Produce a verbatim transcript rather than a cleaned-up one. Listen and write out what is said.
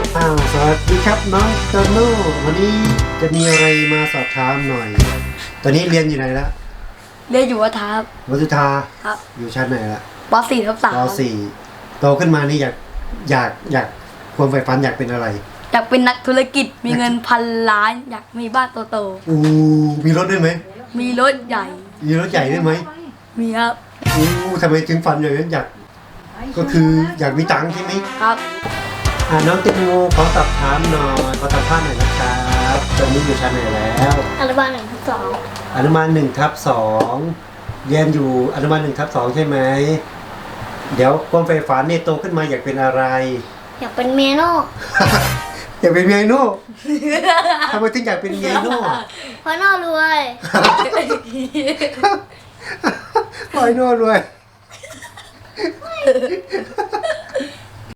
อ้าวสวัสดีครับน้องโตโน่วันนี้จะมีอะไรมาสอบถามหน่อย ตอนนี้เรียนอยู่ไหนละเรียนอยู่วัดทับวัดสุธาครับอยู่ชั้นไหนละปสี่ทับสามปสี่โตขึ้นมานี่อยากอยากอยากความใฝ่ฝันอยากเป็นอะไรอยากเป็นนักธุรกิจมีเงินพันล้านอยากมีบ้านโตๆอู้มีรถด้วยไหมมีรถใหญ่มีรถใหญ่ด้วยไหมมีครับอู้ทำไมถึงฝันอย่างนั้นอยากก็คืออยากมีตังค์ใช่ไหมครับอ่าน้องติ๊กโมขอสอบถามหน่อยขอสัมภาษณ์หน่อยนะครับตอนนี้อยู่ชั้นไหนแล้วอนุบาลหนึ่งทับสองอนุบาลหนึ่งทับสองเรียนอยู่อนุบาลหนึ่งทับสองใช่ไหมเดี๋ยวความใฝ่ฝันเนี่ยโตขึ้นมาอยากเป็นอะไรอยากเป็นเมียโน่อยากเป็นเมียโน่ทำไมถึงอยากเป็นเมียโน่เพราะโน่รวยเพราะโน่รวย